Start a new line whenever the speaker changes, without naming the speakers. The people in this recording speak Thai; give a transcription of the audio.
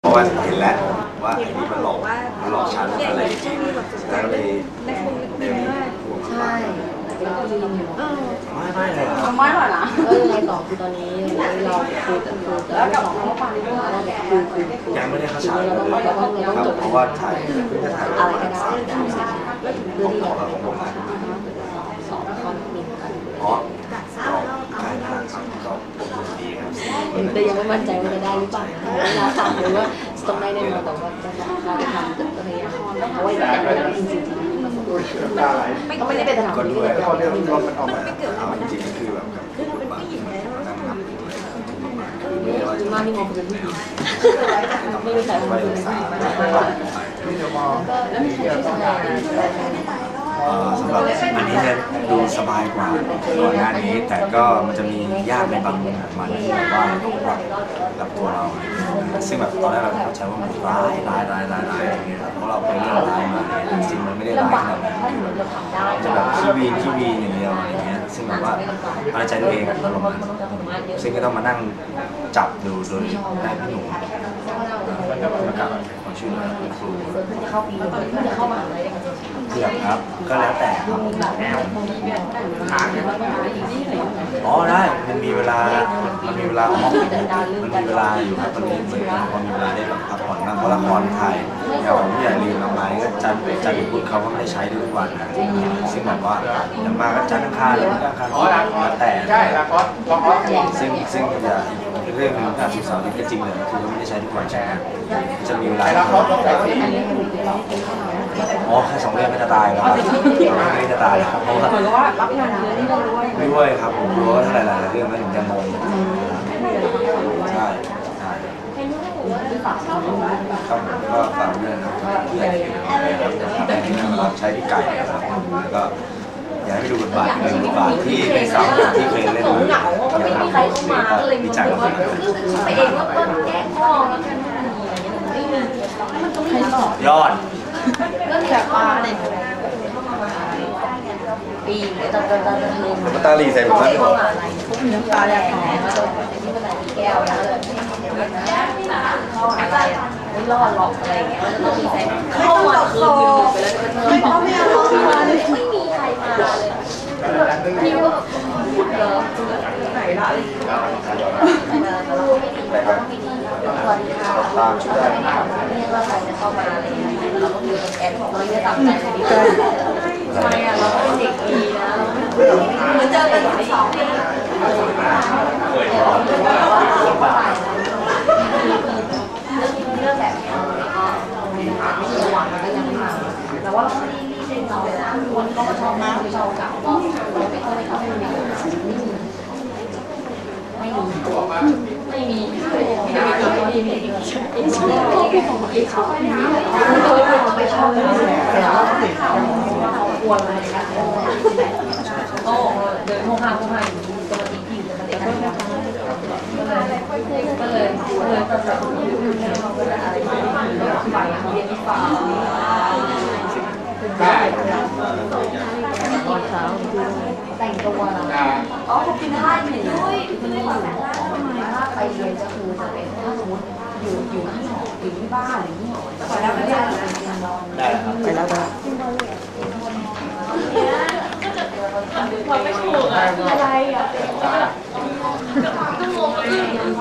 เพราะว่าเห็นแล้วว่าไอ้นี่มันหลอกฉันอะไรอย่างเงี้ยแล้วเลยห่วง
ใช่แล้วก็ยืนอยู่
ไม่เลย
ไม่หรอกนะ
ก็ยังไงต่อคือตอนนี้เราคุยกันแล้วกับเขาไปเราแบบคุย
ยังไม่ได้เข้าฉาก
เราต้องจบ
เพราะว่าถ่ายเพิ่งจะถ่าย
อะไรก็ได้
เพื่อที่ของผมนะ
สองคอนมินกัน
อ๋อถ่ายผ่านครับก็ดีครับ
แต่ยังไม่มั่นใจว่าจะได้หรือเปล่าเวลาทำหรือว่าต้องได้แน่นอนแต่ว่าจะทำจะพยายามเพราะว่าอยากได้จริงๆก็ไม่ได้เป็นสถานที่ที่เราไม่เกิด
เอาจริงๆคือแบบคือเราเป็นผู้หญิงแล้วนั่งนับ
คือมากที่มองเป็นผู้หญิงไม่รู้ใครมองเป็นผู้หญิงแล้วมีที่แสดง
สำหรับอันนี้จะดูสบายกว่าก่อนหน้านี้แต่ก็มันจะมียากในบางมุมของมันที่แบบว่าต้องปรับกับตัวเราซึ่งแบบตอนแรกเราเข้าใจว่ามันร้ายอย่างเงี้ยเพราะเราไปเรื่องร้ายมาจริงมันไม่ได้ร้ายขนาดนั้นจะแบบขี้วีนอย่างเดียวอะไรเงี้ยซึ่งแบบว่าเอาใจตัวเองอารมณ์นั้นซึ่งก็ต้องมานั่งจับดูโดยได้พี่หนุ่มแล้วกับคนชื่อคุณครู
จะเข้าปีจะเข้ามหาลัย
เกือบครับก็แล้วแต่ครับอ๋อได้มันมีเวลาออกมันมีเวลาอยู่ครับมันมีเหมือนพอมีเวลาได้แบบพักผ่อนบ้างเพราะละครถ่ายอย่างผมอย่าลืมเอาไม้ก็จันทร์ถึงพุธเขาก็ไม่ได้ใช้ทุกวันนะซึ่งแบบว่าอย่างมากก็จันทร์อังคารหรืออังคารแล้วแต่ซึ่งจะเรื่องนึงการศึกษาที่ก็จริงเลยคือไม่ได้ใช้ทุกวันใช่ไหมจะมีเวลาอ๋อแค่2 เดือนก็จะตายแล้วไม่จะตายครับเพราะ
ว่ารับงานเยอะนี่เรา
ด้วยครับผมรู้ว่าหลายๆเรื่องมันถึงจะงงใช่ครับผมก็ฝากเรื่องครับเพื่อนที่รับใช้พี่ไก่ครับแล้วก็อยากให้ดูบทบาทที่เป็นสาวที่เคยเล่นอย่างนั้นดีใจมาก
ไปเองว่าต้นแก้ข้อแล้วกัน
ยอด
ก็แบบว่าเนี่ยปีตอน
ตาลีใส่ผม
เข้ามาอะไรพวกน้ำตาแดงแล้วที่มันไหนแก้วแล้วเข้าอะไรไม่รอดหรอกอะไรอย่างเงี้ยมันจะต้องมีใครเข้ามาคือไปแล้วจะเธอไม่มีใครมาเลยพี่ว่าพูดเหรอไหนละ
ตามชุดได้
เนี่ยว่าใครจะเข้ามาอะไรอย่างเงี้ยเราต้องอยู่กับแอนเราไม่ตัดใจเลยดีทำไมอ่ะเราเป็นเด็กดีนะเราเจอกัน2 ปีเรื่องแบบนี้ก็ไม่ระวังมันก็ยังไม่มาแต่ว่าเราไม่ได้รีบเร่งเราเลยนะคนก็ชอบมากชอบเก่าก็ไม่ค่อยเข้าไม่มีไม่ชอบแต่ว่าควรอะไรนะโอ้เดินห้องห้างอยู่ตัวจริงๆแต่มันเด็กก็เลยตัดสินใจอะไรฝ่ายเรียนฝ่ายแต่งตัวอ๋อขอบคุณท่านด้วยไปเรียนจะคือจะเป็นถ้าสมมติอยู่ที่หออยู่ที่บ้านหรือที่หอไปแล้วไม่ได้
ได้ครับไปแล้วได้
เราไม่ถูกอะไรอ่ะ